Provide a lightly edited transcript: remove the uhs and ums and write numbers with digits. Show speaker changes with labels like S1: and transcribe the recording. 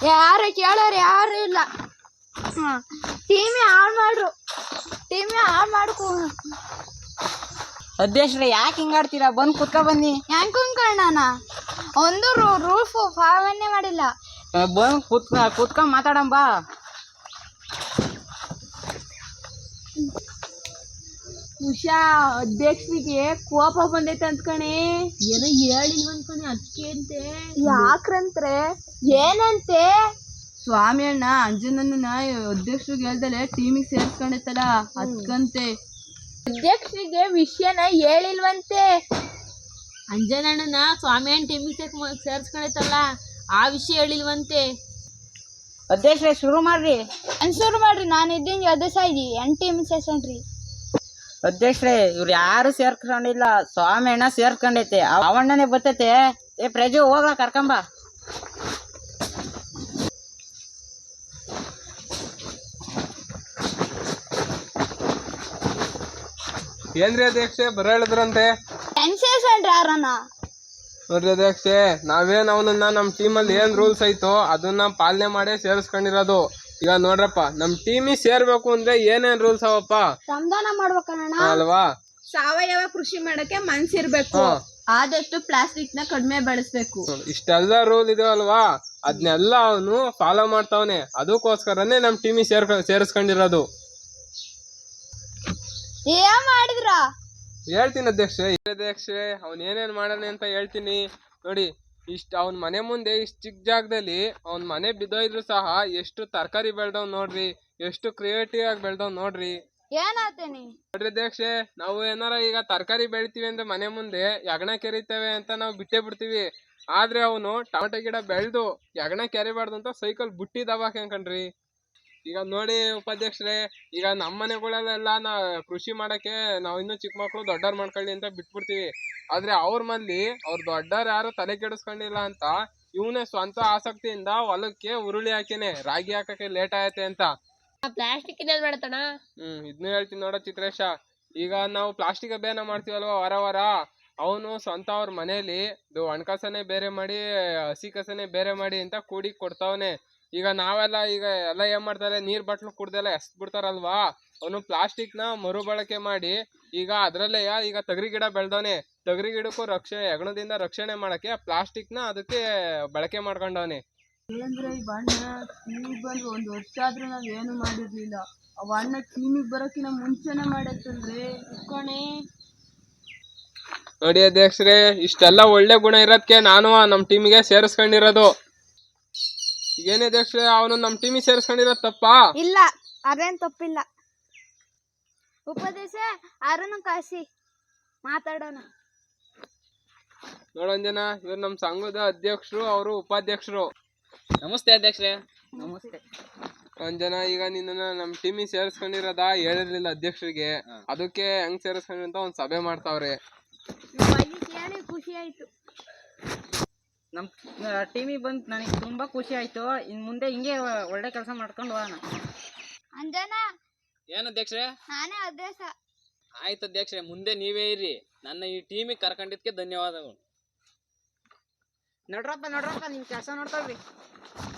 S1: ಯಾರು ಕೇಳೋರು ಯಾರು ಇಲ್ಲ. ಟೀಮೇ ಹಾಳು ಮಾಡ್ರು, ಟೀಮೇ ಹಾಳು ಮಾಡ್ಕೊ.
S2: ಅಧ್ಯಕ್ಷರೇ ಯಾಕೆ ಹಿಂಗಾಡ್ತೀರಾ? ಬಂದು ಕುತ್ಕೊ ಬನ್ನಿ.
S1: ಹೆಂಗ್ ಕುಂಕಣ್ಣನ ಒಂದು ರೂಲ್ಸ್ ಪಾಲನೆ ಮಾಡಿಲ್ಲ.
S2: ಬಂದು ಕುತ್ಕೊಂಡ್ ಮಾತಾಡಂಬ.
S1: ಉಷಾ ಅಧ್ಯಕ್ಷರಿಗೆ ಕೋಪ ಬಂದೈತೆ ಅಂದ್ಕಣೆ.
S3: ಏನೋ ಹೇಳಿಲ್ವ ಅನ್ಕಣೆ, ಅದಕ್ಕೆ ಅಂತೆ.
S1: ಯಾಕ್ರಂತ್ರೆ ಏನಂತೆ?
S3: ಸ್ವಾಮಿ ಅಣ್ಣ ಅಂಜನನ್ನ ಅಧ್ಯಕ್ಷರಿಗೆ ಹೇಳ್ದಲೆ ಟೀಮಿಗೆ ಸೇರ್ಸ್ಕೊಂಡೈತಲ್ಲ ಅದ್ಕಂತೆ.
S1: ಅಧ್ಯಕ್ಷರಿಗೆ ವಿಷಯನ ಹೇಳಿಲ್ವಂತೆ.
S3: ಅಂಜನಣ್ಣನ ಸ್ವಾಮಿ ಅಣ್ಣ ಟೀಮಿಗೆ ಸೇರ್ಸ್ಕೊಂಡೈತಲ್ಲ ಆ ವಿಷಯ ಹೇಳಿಲ್ವಂತೆ.
S2: ಅಧ್ಯಕ್ಷರೇ ಶುರು ಮಾಡ್ರಿ.
S1: ಶುರು ಮಾಡ್ರಿ, ನಾನು ಇದ್ದೀನಿ ಅಧ್ಯಕ್ಷ ಟೀಮ್ ಸೇರ್ಸೋಣ್ರಿ.
S2: ಅಧ್ಯಕ್ಷರೇ ಇವ್ರು ಯಾರು ಸೇರ್ಕೊಂಡಿಲ್ಲ, ಸ್ವಾಮಿ ಅಣ್ಣ ಸೇರ್ಕೊಂಡೈತೆ. ಅವಣ್ಣನೇ ಬರ್ತೈತೆ. ಏ ಪ್ರಜು ಹೋಗ್ಲ ಕರ್ಕೊಂಬ.
S4: ಏನ್ರಿ ಅಧ್ಯಕ್ಷೆ ಬರ ಹೇಳಿದ್ರಂತೆ?
S1: ಹೆಂಗ್ ಸೇರ್ಸೋಣ್ರಿ ಯಾರನ್ನ?
S4: ನೋಡ್ರಿ ಅಧ್ಯಕ್ಷೆ, ನಾವೇನ್ ಅವನನ್ನ ನಮ್ ಟೀಮಲ್ಲಿ ಏನ್ ರೂಲ್ಸ್ ಐತೋ ಅದನ್ನ ಪಾಲನೆ ಮಾಡೇ ಸೇರಿಸ್ಕೊಂಡಿರೋದು. ಈಗ ನೋಡ್ರಪ್ಪ, ನಮ್ ಟೀಮಿಗೆ ಸೇರ್ಬೇಕು ಅಂದ್ರೆ ಏನೇನ್ ರೂಲ್ಸ್ ಅವಪ್ಪ?
S1: ಶ್ರಮದಾನ ಮಾಡ್ಬೇಕಣ್ಣ
S4: ಅಲ್ವಾ?
S3: ಸಾವಯವ ಕೃಷಿ ಮಾಡಕ್ಕೆ ಮನ್ಸಿರ್ಬೇಕು, ಆದಷ್ಟು ಪ್ಲಾಸ್ಟಿಕ್ ನ ಕಡಿಮೆ ಬಳಸ್ಬೇಕು.
S4: ಇಷ್ಟೆಲ್ಲ ರೂಲ್ ಇದೆ ಅಲ್ವಾ, ಅದ್ನೆಲ್ಲ ಅವನು ಫಾಲೋ ಮಾಡ್ತಾವನೆ. ಅದಕ್ಕೋಸ್ಕರನೇ ನಮ್ ಟೀಮಿಗೆ ಸೇರಿಸ್ಕೊಂಡಿರೋದು.
S1: ಏನ್ ಮಾಡಿದ್ರ?
S4: ಹೇಳ್ತೀನಿ ಅಧ್ಯಕ್ಷೆ. ಅವ್ನ್ ಏನೇನ್ ಮಾಡಾನೆ ಅಂತ ಹೇಳ್ತೀನಿ ನೋಡಿ. ಅವ್ನ ಮನೆ ಮುಂದೆ ಇಷ್ಟ ಚಿಕ್ಕ ಜಾಗದಲ್ಲಿ ಅವ್ನ ಮನೆ ಬಿದ್ದೋಯ್ದ್ರು ಸಹ ಎಷ್ಟು ತರಕಾರಿ ಬೆಳ್ದವ್ ನೋಡ್ರಿ, ಎಷ್ಟು ಕ್ರಿಯೇಟಿವ್ ಆಗಿ ಬೆಳ್ದವ್ ನೋಡ್ರಿ.
S1: ಏನಾತೇನಿ
S4: ನೋಡ್ರಿ ಅಧ್ಯಕ್ಷೆ, ನಾವು ಏನಾರ ಈಗ ತರಕಾರಿ ಬೆಳಿತೀವಿ ಅಂದ್ರೆ ಮನೆ ಮುಂದೆ ಯಗಣ ಕೆರಿತೇವೆ ಅಂತ ನಾವು ಬಿಟ್ಟೇ ಬಿಡ್ತೀವಿ. ಆದ್ರೆ ಅವನು ಟೊಮೆಟೊ ಗಿಡ ಬೆಳೆದು ಯಗಣ ಕೆರಿಬಾರ್ದು ಅಂತ ಸೈಕಲ್ ಬುಟ್ಟಿ ದಬಾಕ್ ಕಣ್ರಿ. ಈಗ ನೋಡಿ ಉಪಾಧ್ಯಕ್ಷರೇ, ಈಗ ನಮ್ಮ ಮನೆಗಳಲ್ಲೆಲ್ಲ ಕೃಷಿ ಮಾಡಕ್ಕೆ ನಾವು ಇನ್ನೂ ಚಿಕ್ಕ ಮಕ್ಳು ದೊಡ್ಡವ್ರು ಮಾಡ್ಕೊಳ್ಳಿ ಅಂತ ಬಿಟ್ಬಿಡ್ತೀವಿ. ಆದ್ರೆ ಅವ್ರ ಮಂದಿ ಅವ್ರ ದೊಡ್ಡವ್ರು ಯಾರು ತಲೆ ಕೆಡಿಸ್ಕೊಂಡಿಲ್ಲ ಅಂತ ಇವನೇ ಸ್ವಂತ ಆಸಕ್ತಿಯಿಂದ ಹೊಲಕ್ಕೆ ಉರುಳಿ ಹಾಕೇನೆ ರಾಗಿ ಹಾಕಕ್ಕೆ ಲೇಟ್ ಆಯತೆ ಅಂತ.
S3: ಪ್ಲಾಸ್ಟಿಕ್ ಮಾಡತಣ.
S4: ಇದನ್ನು ಹೇಳ್ತೀನಿ ನೋಡ ಚಿತ್ರೇಶ. ಈಗ ನಾವು ಪ್ಲಾಸ್ಟಿಕ್ ಅಭಿಯಾನ ಮಾಡ್ತೀವಲ್ವಾ ವಾರ ವಾರ, ಅವನು ಸ್ವಂತ ಅವ್ರ ಮನೇಲಿ ಒಣಕಸನೆ ಬೇರೆ ಮಾಡಿ ಹಸಿ ಕಸನೆ ಬೇರೆ ಮಾಡಿ ಅಂತ ಕೂಡಿ ಕೊಡ್ತಾವನೆ. ಈಗ ನಾವೆಲ್ಲ ಈಗ ಎಲ್ಲ ಏನ್ ಮಾಡ್ತಾರೆ, ನೀರ್ ಬಾಟ್ಲು ಕುಡ್ದೆಲ್ಲ ಎಸ್ದ್ ಬಿಡ್ತಾರಲ್ವಾ, ಅವನು ಪ್ಲಾಸ್ಟಿಕ್ ನ ಮರುಬಳಕೆ ಮಾಡಿ ಈಗ ಅದ್ರಲ್ಲೇ ಈಗ ತೊಗರಿ ಗಿಡ ಬೆಳ್ದವನೆ. ತೊಗರಿ ಗಿಡಕ್ಕೂ ಹೆಗಣದಿಂದ ರಕ್ಷಣೆ ಮಾಡಕ್ಕೆ ಪ್ಲಾಸ್ಟಿಕ್ ನ ಅದಕ್ಕೆ ಬಳಕೆ ಮಾಡ್ಕೊಂಡವನೆ.
S3: ಏನಂದ್ರೆ ಈ ಬಣ್ಣ ಟೀಮಿಗೆ ಬಂದು 1 ವರ್ಷ ಆದ್ರೂ ನಾವ್ ಏನು ಮಾಡಿರ್ಲಿಲ್ಲ. ಆ ಬಣ್ಣ ಟೀಮಿಗೆ ಬರೋಕಿನ ಮುಂಚೆನೆ ಮಾಡೈತಲ್ರಿ ಇಟ್ಕೊಣೆ.
S4: ನೋಡಿ ಅಧ್ಯಕ್ಷರೇ, ಇಷ್ಟೆಲ್ಲ ಒಳ್ಳೆ ಗುಣ ಇರೋದಕ್ಕೆ ನಾನು ನಮ್ ಟೀಮಿಗೆ ಸೇರಿಸ್ಕೊಂಡಿರೋದು. ಏನೇ ಅಧ್ಯಕ್ಷರೇ, ಅವನು ನಮ್ ಟೀಮಿಗೆ ಸೇರಿಸ್ಕೊಂಡಿರೋದು ತಪ್ಪಾ?
S1: ಇಲ್ಲ, ಅದೇನ್ ತಪ್ಪಿಲ್ಲ. ಉಪದೇಶ ಯಾರನ್ನು ಕಾಸಿ ಮಾತಾಡೋಣ.
S4: ನೋಡಂಜನ, ಇವ್ರು ನಮ್ ಸಂಘದ ಅಧ್ಯಕ್ಷರು, ಅವರು ಉಪಾಧ್ಯಕ್ಷರು.
S2: ನಮಸ್ತೆ ಅಧ್ಯಕ್ಷರೇ. ನಮಸ್ತೆ
S4: ಅಂಜನ. ಈಗ ನಿನ್ನ ನಮ್ ಟೀಮಿಗೆ ಸೇರಿಸ್ಕೊಂಡಿರೋದ ಹೇಳಿರ್ಲಿಲ್ಲ ಅಧ್ಯಕ್ಷರಿಗೆ. ಅದಕ್ಕೆ ಹೆಂಗ್ ಸೇರಿಸ್ಕೊಂಡ್ರಿ ಅಂತ ಒಂದ್ ಸಭೆ ಮಾಡ್ತಾವ್ರೆ.
S1: ಕೇಳಿ ಖುಷಿ ಆಯ್ತು.
S2: ನಮ್ ಟೀಮಿಗೆ ಬಂದು ನನಗೆ ತುಂಬಾ ಖುಷಿ ಆಯ್ತು. ಇನ್ ಮುಂದೆ ಹಿಂಗೆ ಒಳ್ಳೆ ಕೆಲಸ ಮಾಡ್ಕೊಂಡು ಹೋಗೋಣ.
S1: ಅಂಜನ,
S5: ಏನ್ ಅಧ್ಯಕ್ಷರೇ?
S1: ನಾನೇ ಅಧ್ಯಕ್ಷ.
S5: ಆಯ್ತು ಅಧ್ಯಕ್ಷರೇ, ಮುಂದೆ ನೀವೇ ಇರ್ರಿ. ನನ್ನ ಈ ಟೀಮಿಗೆ ಕರ್ಕೊಂಡಿದ್ಕೆ ಧನ್ಯವಾದಗಳು.
S2: ನೋಡ್ರಪ್ಪ ನಿಮ್ ಕೆಲಸ ನೋಡ್ಕೊಳ್ರಿ.